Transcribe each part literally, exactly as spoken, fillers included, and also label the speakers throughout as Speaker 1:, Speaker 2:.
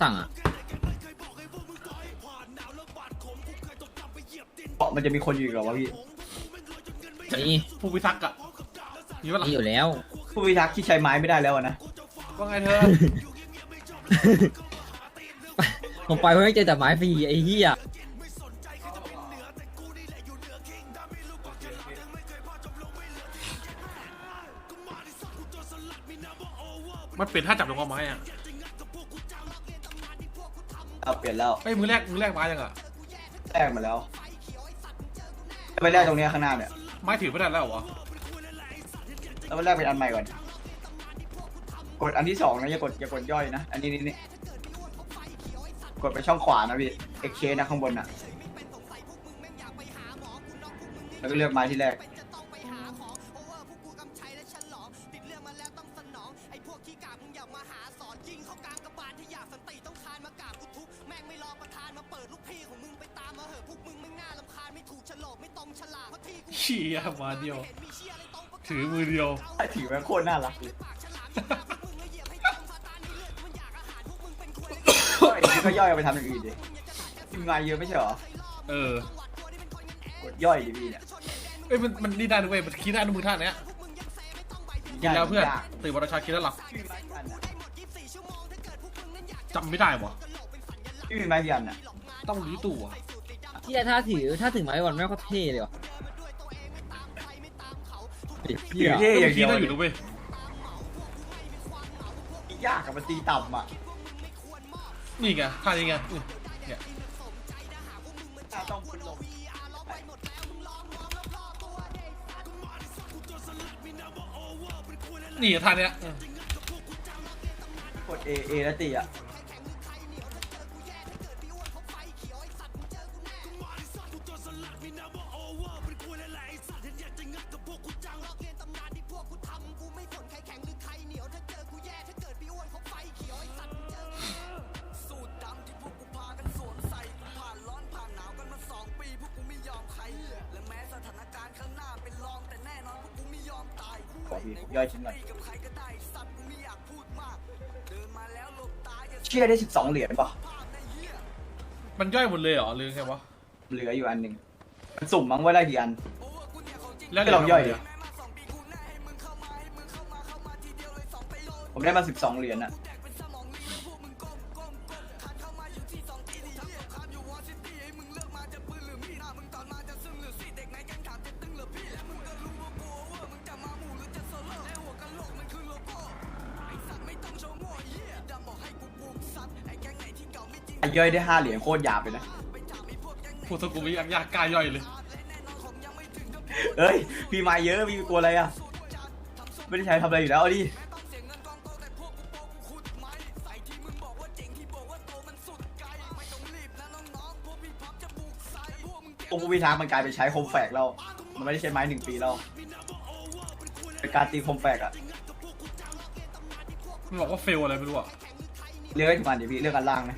Speaker 1: สั่งอ่ะ
Speaker 2: มันจะมีคนอยู่หรอวะพี่
Speaker 1: นี่
Speaker 3: ผู้พิทักษ์อะมีปะล่ะ
Speaker 1: นี่อยู่แล้ว
Speaker 2: ผู้พิทักษ์ที่ใช้ไม้ไม่ได้แล้วนะ
Speaker 3: ว่าไงเธอ
Speaker 1: ผมไปเพื่อเจอแต่ไม้ฟรีไอ้เหี้ย
Speaker 3: มันเปลี่ยนท่าจับลงเอาไม้อะ
Speaker 2: เอาเปลี่ยนแล้ว
Speaker 3: ไอ้ยมือแรกมือแรกไม้ยังอะ
Speaker 2: แลกมาแล้วไปแลกตรงนี้ข้างหน้าเนี่ย
Speaker 3: ไม้ถือไม่ได้แล้วเหรอ
Speaker 2: แล้วไปแลกเป็นอันใหม่ก่อนกดอันที่สองนะอย่ากดอย่ากดย่อยนะอันนี้นี่นี่กดไปช่องขวานะพี่เอ็กเคนะข้างบนน่ะแล้วก็เลือกไม้ที่แรก
Speaker 3: เชี่ยมาเดียวถือมือเดียว
Speaker 2: ถือแม่งโคตรน่ารักเลยก็ย่อยเอาไปทำอย่างอื่นดิทีมงานเยอะไม่ใช่เหรอ
Speaker 3: เออก
Speaker 2: ดย่อยดิพี่เนี่ย
Speaker 3: เอ้ยมันมันนี่ได้ด้วยมันคิดได้ด้วยมือท่าเนี้ยกินแล้วเพื่อนตื่นวันราชากินแล้วหลับจำไม่ได้วะ
Speaker 2: พี่มีไม้กี่อันน่ะ
Speaker 3: ต้องรีตู่อะ
Speaker 1: ที่ถ้าถือถ้าถือไม้วันแม่งก็เท่เลยว่ะ
Speaker 2: ถือเท่อย่าง
Speaker 3: คิ
Speaker 2: เดี
Speaker 3: ด
Speaker 2: ยว
Speaker 3: ได้อยู่นะเว้ย
Speaker 2: ยากกับมันตีต่ำอ่ะ
Speaker 3: นี่ไงท่านี้ไงอืมเนี่ย
Speaker 2: ต้องคุณลง
Speaker 3: นี่ท่าเนี้ยอืม
Speaker 2: กด A A แล้วตีอ่ะขอพี่ย่อยชิ้นหน่อยเชี่ยได้สิบสองเหรียญป่ะ
Speaker 3: มันย่อยหมดเลยเหรอหรือไงวะ
Speaker 2: เหลืออยู่อันหนึ่งมันสุ่มมั้งว่าได้กี่อัน
Speaker 3: แล้ว
Speaker 2: ก็ลองย่อยดิผมได้มาสิบสองเหรียญอ่ะย่อยได้ห้าเหรียญโคตรหยาบเลยนะ
Speaker 3: พูดสกุลไม่ยากยากกล้าย่อยเลย
Speaker 2: เอ้ยพี่มาเยอะพี่กลัวอะไรอ่ะไม่ได้ใช้ทำอะไรอยู่แล้วเอาดิโอ้โหวิธามันกลายเป็นใช้โคมแฝกแล้วมันไม่ได้ใช้ไม้หนึ่งปีแล้วเป็นการตีโคมแฝกอะ
Speaker 3: มันบอกว่าเฟลอะไรไม่รู้อะ
Speaker 2: เลือกให้ถูกอันเดี๋ยวพี่เลือกอันล่างนะ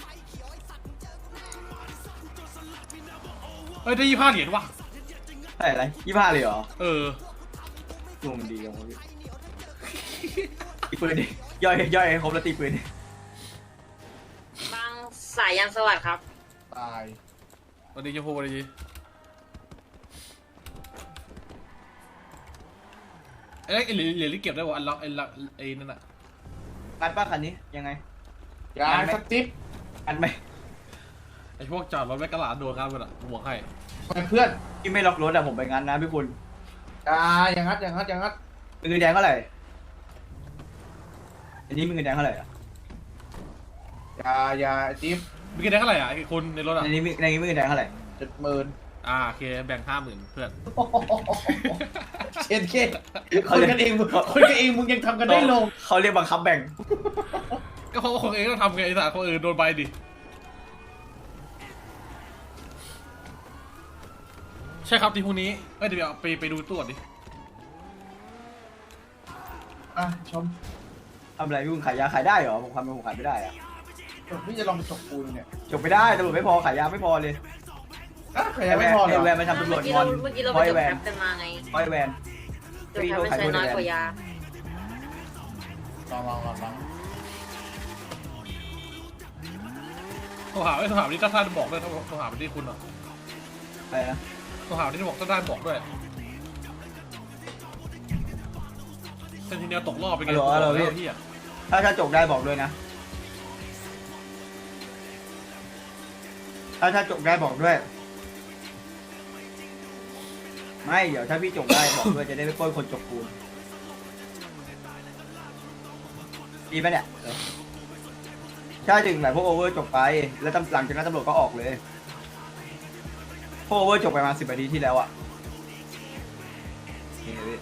Speaker 3: เอ้ยได้ยี่ห้าเหรียญว่ะ
Speaker 2: ใช่อะไรยี่ห้าเลยเหรอ
Speaker 3: เออ
Speaker 2: ดวงมันดีจังวะพี่ตีปืนดิย่อยย่อยให้ครบแล้วตีปืนดิ
Speaker 4: บางสายยันสวัสดิ์ครับ
Speaker 3: ตายวันนี้จะพูดวันนี้ไอ้ไอ้เหรียญเหรียญที่เก็บได้วะอันล็อกไอ้ล็อกไอ้นั่นอะ
Speaker 2: งัดป้าคันนี้ยังไง
Speaker 5: ยาสติ๊บ
Speaker 2: งัดไหม
Speaker 3: ไอ้พวกจอดรถแม่กระหลาดโดนกันหมดอะบวกให้
Speaker 5: เพื่อน
Speaker 2: พี่ไม่ล็อกรถอะผมไปงัดนะพี่คุณ
Speaker 5: ยาอย่างงัดอย่างงัดอย่างงัด
Speaker 2: มีเงินแดงเท่าไหร่อันนี้มีเงินแดงเท่าไหร่อะ
Speaker 5: ยายาติ๊บ
Speaker 3: มีกันได้เท่าไหร่อะไอ้คนในรถอะ
Speaker 2: อันนี้มีในนี้มีเงินแดงเท่าไหร่
Speaker 5: เจ็ดหมื่น
Speaker 3: อ่าโอเคแบ่งห้าหมื่นเพื่อน
Speaker 5: เช็ดเค้คนกันเองคนกันเองมึงยังทำกันได้ลง
Speaker 2: เขาเรียกบังคับแบ่ง
Speaker 3: ก็เพราะว่าคนเองต้องทำไงไอ้สัตว์คนอื่นโดนใบดิใช่ครับทีพรุ่งนี้เอ้ยเดี๋ยวไปไปดูตัวดิ
Speaker 5: อ่ะชม
Speaker 2: ทำอะไรพี่คุณขายยาขายได้เหรอผมทำผมขายไม่ได้อะ
Speaker 5: พี่จะลองไปฉกปูนเนี่ย
Speaker 2: จบไม่ได้ตำรวจไม่พอขายยาไม่พอเลย
Speaker 5: อ่ะใครยังไม่พอเหร
Speaker 2: ไอ
Speaker 5: อ
Speaker 2: แวนมาทำตำรวจ
Speaker 4: เมื่อกี้
Speaker 2: งอ
Speaker 4: เรา
Speaker 2: น
Speaker 4: เมื่อกี้เรา
Speaker 2: เพ
Speaker 4: ไป
Speaker 2: ราะไอ
Speaker 4: จบ
Speaker 2: แว
Speaker 4: แคน ปกันมาไง
Speaker 2: เพราะไอแวน
Speaker 4: จบแคปมันใช้น้อยกว่ายา
Speaker 5: ลองลองลองลอง
Speaker 3: โทรหาไอ้โทรหาที่ท่านบอกด้วยโทรหาไปที่คุณอ่ะ
Speaker 2: ไปนะ
Speaker 3: โทรหาที่บอกท่านบอกด้วยเซนติเนลตกรอบไปไงพี่อ่ะ
Speaker 2: ถ้าถ้าจบได้บอกด้วยนะ ถ้าถ้าจบได้บอกด้วย ไม่เดี๋ยวถ้าพี่จบได้บอกด้วยจะได้ไม่ป้นคนจบปูนดีไหมเนี่ยถ้าถึงไหนพวกโอเวอร์จบไปแล้วหลังจากนั้นตำรวจก็ออกเลยพวกโอเวอร์จบไปมาสิบนาทีที่แล้วอ่ะนี่พี่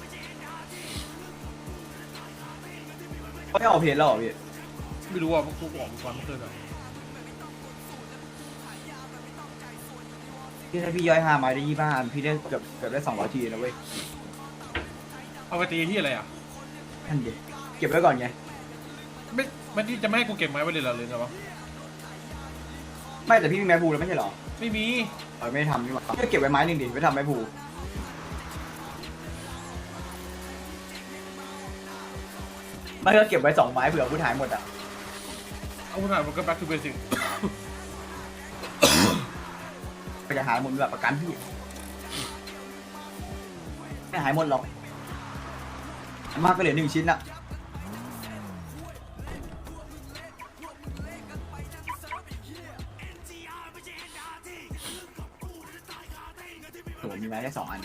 Speaker 2: เขาไม่ออกเพจแล้วเหรอพี่
Speaker 3: ไม่รู้ว่าพวกกูออกก่อนเมื่อคืนอ่ะ
Speaker 2: พี่ถ้าพี่ย่อยห้าไม้ได้ยี่ห้าอันพี่ได้เกือบเกือบได้สองร้อยทีนะเว้ย
Speaker 3: เอาไปตีที่อะไรอ่ะ
Speaker 2: ท่านเด็กเก็บไว้ก่อนไง
Speaker 3: ไม่ไม่ที่จะไม่ให้กูเก็บไม้ไว้เลยเหรอเลยนะวะ
Speaker 2: ไม่แต่พี่มีไม้ภูแล้วไม่ใช่เหรอ
Speaker 3: ไม่มี
Speaker 2: เออไม่ได้ทำนี่หว่าพี่ก็เก็บไว้ไม้หนึ่งดิไม่ทำไม้ภูไม่ก็เก็บไว้สองไม้เผื่อผู้ถ่ายหมดอ่ะ
Speaker 3: เอาคุณถ่ายมันก็ back to basic
Speaker 2: ไปจะหายหมดแบบประกันพี่ไม่หายหมดหรอกมากก็เหลือหนึ่งชิ้นอะโหมีไม้แค่สองอัน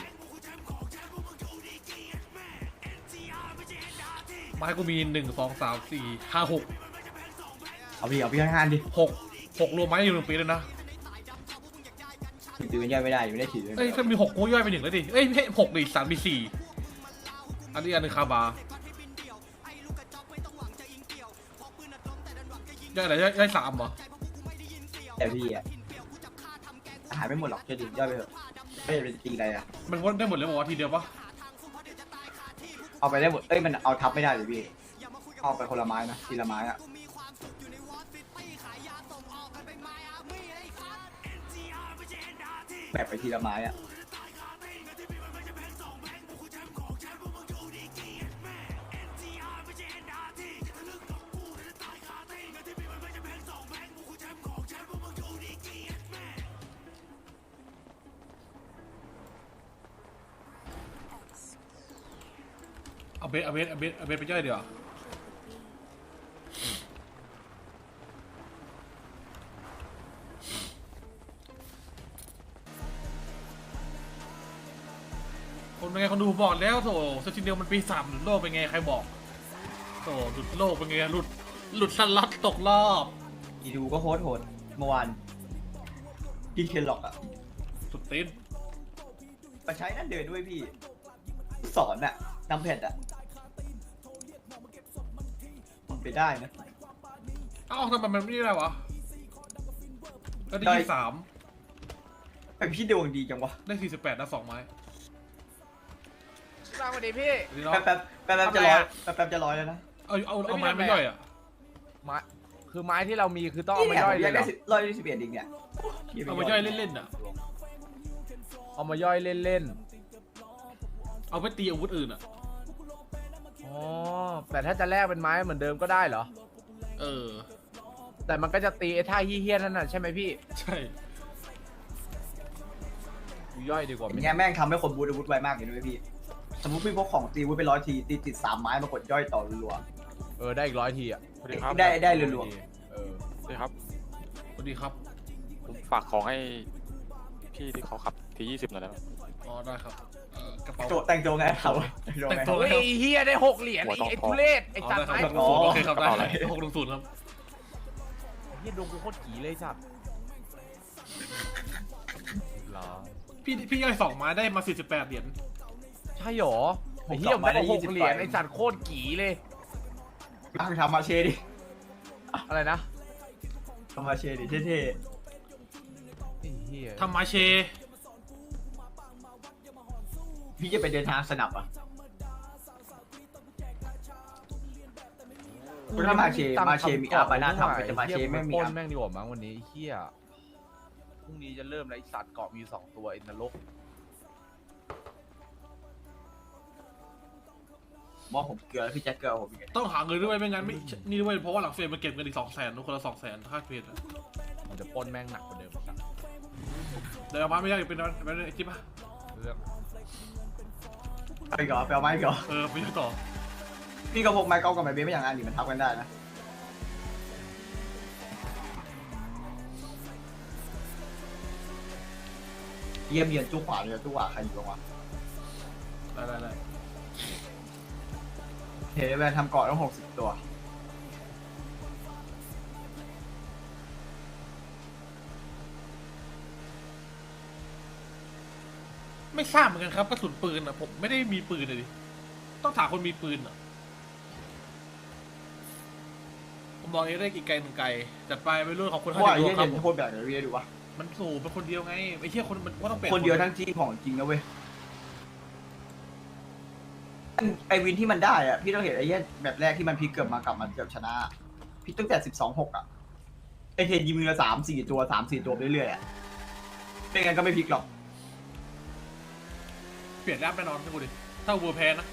Speaker 3: ไม้กูมีหนึ่งสองสามสี่ห้าหก
Speaker 2: เอาพี่เอาพี่ให้ห้าดิ
Speaker 3: หกหกรวมไม้อยู่หนึ่งปีเลยนะ
Speaker 2: ถือเป็นย่อยไม่ได้ไม่ได้ถือ
Speaker 3: เอ้ยถ้ามีหกกูย่อยไปหนึ่งแล้วดิเอ้ยไม่หกดิสามมีสี่อันนี้อันหนึงคาบาย่อยอะไรย่อยย่อยสามเหรอ
Speaker 2: แต่พี่อะหายไม่หมดหรอกจะดึงย่อยไปเถอะไม่จะเป็นตีอะไรอะ
Speaker 3: มันวนได้หมดเลยบอกว่าทีเดียวปะ
Speaker 2: เอาไปได้หมดเอ้ยมันเอาทับไม่ได้เลยพี่เอาไปคนละไม้นะทีละไม้อะแบบไปทีละไม้อะ
Speaker 3: เอาเบสเอาเบสเอาเบสเอาเบสไปย่อยเดี๋ยวาคนเป็นไงคนดูบอกแล้วโถเซนติเนลมันปีสามหลุดโลกเป็นไงใครบอกโถหลุดโลกเป็นไงหลุดหลุดสลัดตกรอบ
Speaker 2: อีดูก็โคตรโหดเมื่อวานพี่เคนหลอกอะ
Speaker 3: สุดตีน
Speaker 2: มาใช้นั่นเดินด้วยพี่ สอนอะนำแผ่นอะมันไปได้นะ
Speaker 3: เอ้าทำไมมันไม่ได้วะแล้วได้
Speaker 2: ได้
Speaker 3: ยี่สาม
Speaker 2: ไอพี่ดวงดีจังวะ
Speaker 3: ได้สี่สิบแปดนะสองไม้
Speaker 6: สวัสดีพี่
Speaker 3: ดีเนาะ
Speaker 2: แป๊บแป๊บแป๊บแป๊บจะร้อยแป๊บแป๊บจะร้อยแล้วนะ
Speaker 3: เอาเอาเอาไม้ไม่ย่อยอ่ะ
Speaker 6: ไม้คือไม้ที่เรามีคือต้องเอามาย่อยเลยเหร
Speaker 2: ได้
Speaker 6: อ
Speaker 2: สิบร้อยสิบเอ็ดดิงเนี่ย
Speaker 3: เอามาย่อยเล่นๆอ่ะ
Speaker 6: เอามาย่อยเล่น
Speaker 3: เอาไปตีอาวุธอื่นอ่ะ
Speaker 6: ๆ อ๋อ แต่ถ้าจะแลกเป็นไม้เหมือนเดิมก็ได้เหรอ
Speaker 3: เออ
Speaker 6: แต่มันก็จะตีไอ้ท่าเฮี้ยๆนั่นน่ะใช่ไหมพี่
Speaker 3: ใช่
Speaker 6: กูย่อยดีกว่า
Speaker 2: อย่าง
Speaker 6: ไหม
Speaker 2: เงี้ยแม่งทำให้คนบูทอาวุธไวมากเลยด้วยพี่ สมมติพี่พกของตีอาวุธไปร้อยทีตีติดสามไม้มากดย่อยต่อรัว
Speaker 6: เออได้อีกร้อยทีอ่ะ
Speaker 7: สวัสดีครับ
Speaker 2: ๆได้ได้รัว
Speaker 6: เออ
Speaker 7: สวัสดีครับ
Speaker 3: สวัสดีครับ
Speaker 7: ผมฝากของให้พี่ที่เขาขับทียี่สิบหน่อยได้ไหม
Speaker 3: อ๋อได้ครับเอ่อกระ
Speaker 2: ๆ
Speaker 3: เป๋า
Speaker 2: โจแต่งตัวไงเขาแต่งตัวไง
Speaker 3: แต่งตัว
Speaker 6: โอ้ยไอ้เฮี้ยได้หกเหรียญไอ้ไอ้ทุเรศไอ้
Speaker 3: อ๋อ
Speaker 6: จัด
Speaker 3: ได้
Speaker 6: ไม้
Speaker 3: ครับ
Speaker 6: กู
Speaker 3: โอเคครับได้หกลงศูนย์ครับ
Speaker 6: เฮี้ยดวงกูโคตรกี่เลยสัตว์เหรอ
Speaker 3: พี่พี่ย่อยสองไม้ได้มาสี่สิบแปดเหรียญ
Speaker 6: ใช่หรอไอ้เฮี้ยผมได้หกเหรียญไอ้สัตว์โคตรกี่เลย
Speaker 2: เอาทำมาเชดิ
Speaker 6: อะไรนะ
Speaker 2: ทำมาเชดิเท่
Speaker 6: ไอ้เฮี้ย
Speaker 3: ทำมาเช
Speaker 2: ๆพี่จะไปเดินทางสนับอ่ะถ้ามาเชมาเชมีอาบาน่าทำแต่มาเชไม่มี
Speaker 6: ปล้น
Speaker 2: อา
Speaker 6: แม่งดีกว่ามั้งวันนี้ไอ้เฮี้ยพรุ่งนี้จะเริ่มแล้วไอ้สัตว์เกาะมีสองตัวไอ้นรก
Speaker 2: มอผมเกลือแล้วพี่แจ็คเกลือผมอีก
Speaker 3: ต้องหาเงินด้วยไม่งั้นไม่นี่ด้วยเพราะว่าหลังเฟรมมันเก็บเงินอีกสองแสนทุกคนละสองแสนค่าเฟรมอะ
Speaker 6: มันจะปล้นแม่งหนักกว่าเดิมครับ
Speaker 3: เดี๋ยวเอามาไม่ได้เป็นเป็นไอ้จิ๊บป่ะ
Speaker 6: เรื่อง
Speaker 2: ไปก่อนไปเอาไม้ก่อน
Speaker 3: เออไปยังต่อ
Speaker 2: พี่ก็พกไม้กอล์ฟกับไม้เบสไม่อย่างนั้นดิมันทับกันได้นะเยี่ยมเยียนจุกขวาเลยจุกขวาใครอยู่บ้างวะ
Speaker 3: ได้ได้ได้
Speaker 2: เฮแวนทำเกาะต้องหกสิบตัว
Speaker 3: ไม่ทราบเหมือนกันครับกระสุนปืนอ่ะผมไม่ได้มีปืนเลยดิต้องถามคนมีปืนอ่ะผมบอกเองได้กี่ไกลหนึ่งไกลจัดไปไปรุ่นของคน
Speaker 2: เพ
Speaker 3: ห้า
Speaker 2: ราะว่า
Speaker 3: สิบ
Speaker 2: ไอ้
Speaker 3: โล
Speaker 2: เหี้ย
Speaker 3: ครั
Speaker 2: เย็
Speaker 3: บ
Speaker 2: นโคตรแบบเลยพี่ดูวะ
Speaker 3: มันสูบเป็นคนเดียวไงไอ้เชี่ยคนมันก็ต้องเป็น
Speaker 2: คนเดียวทั้งทีมของจริงนะเว้ยไอวินที่มันได้อะพี่ต้องเห็นไอ้เหี้ยแบบแรกที่มันพลิกเกือบมากลับมาเกือบชนะพี่ตั้งแต่สิบสองหกอะไอเทนยิงมือละสามสี่ตัวสามสี่ตัวไปเรื่อยๆอะไม่งั้นก็ไม่พลิกหรอก
Speaker 3: เปลี่ยนแอปแน่นอนให้กูดิถ้าเวอร์แพ้นะ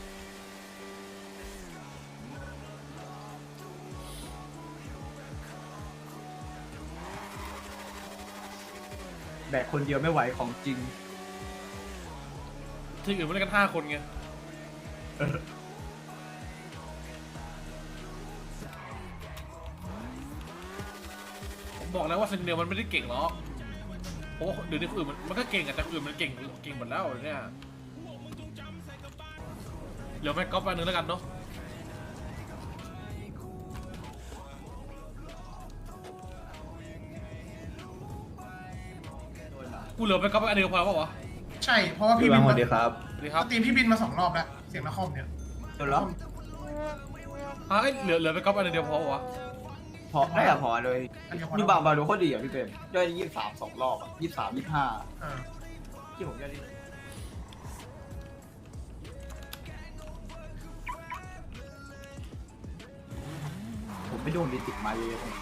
Speaker 2: แบกคนเดียวไม่ไหวของจริง
Speaker 3: ทีมอื่นมาเล่นกันห้าคนไงผมบอกแล้วว่าเซนเนลมันไม่ได้เก่งหรอกเพราะว่าเดี๋ยวนี้คนอื่นมันมันก็เก่งอะแต่คนอื่นมันเก่งเก่งหมดแล้วเนี่ยเหลือแม็กก๊อฟอันหนึ่งแล้วกันเนาะกูเหลือแม็กก๊อฟอันเดียวพอแล้วเปล่าวะ
Speaker 5: ใช่เพราะว่าพี่บินมา
Speaker 2: สวัสดีครับ
Speaker 3: สวัสดีครับ
Speaker 5: ตีมพี่บินมาสองรอบแล้วเสียงนครเนี่ย
Speaker 2: จนแล้ว
Speaker 3: อ่ะเอ้ยเหลือเหลือแม็กก๊อฟอันเดียวพอเปล่าวะ
Speaker 2: พอได้อะพอเลย
Speaker 5: อันเดียวพอ
Speaker 2: นี่บางบาดูโคตรดีอ่ะพี่เป็นได้ยี่สิบสามสองรอบอ่ะยี่สิบสามยี่สิบห้า
Speaker 5: เออ
Speaker 2: ที่ผมได้ดีผมไม่โดนมีติดมาเยอะๆ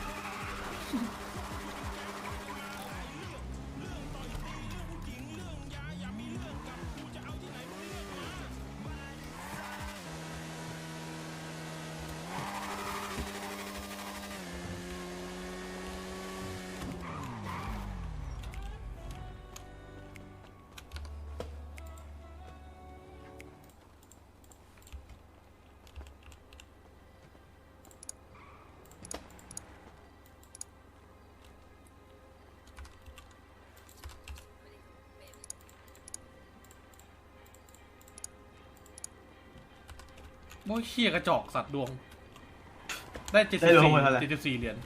Speaker 3: โอ้ยเขี้ยกระจอกสัตว์ดวง ได้เจ็ด
Speaker 2: ได้
Speaker 3: สิบ
Speaker 2: รวม
Speaker 3: สี่
Speaker 2: หมดเท่าไหร่
Speaker 3: เจ็ดสิบสี่เหรียญ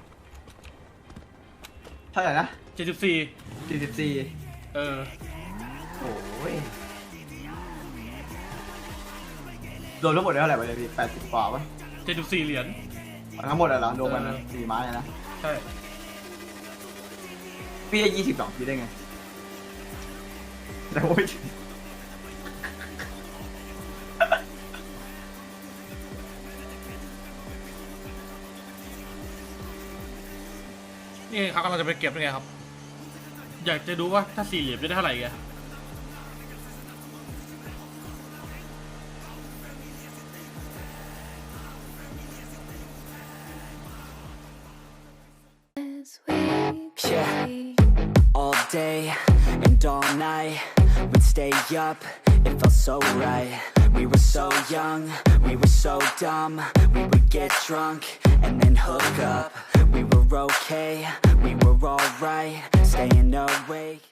Speaker 2: เท่าไหร่นะ
Speaker 3: เจ็ดสิบสี่
Speaker 2: สี่สิบสี่
Speaker 3: เออ
Speaker 2: โอ้ยโดนทั้งหมดได้เท่าไหร่ไปเลยพี่แปดสิบกว่าปะ
Speaker 3: เจ็ดสิบสี่เหรียญ
Speaker 2: ทั้งหมดอะเหรอโดนมัน
Speaker 3: เออ
Speaker 2: สี่ไม้อะนะ
Speaker 3: ใช่
Speaker 2: พี่ได้ยี่สิบสองพี่ได้ไงแต่โอ้ย
Speaker 3: นี่เขากำลังจะไปเก็บยังไงครับ อยากจะดูว่าถ้าสี่เหรียญจะได้เท่าไหร่แก
Speaker 8: Yeah, all day and all night, we'd stay up, it felt so right. We were so young, we were so dumb, we would get drunk and then hook up.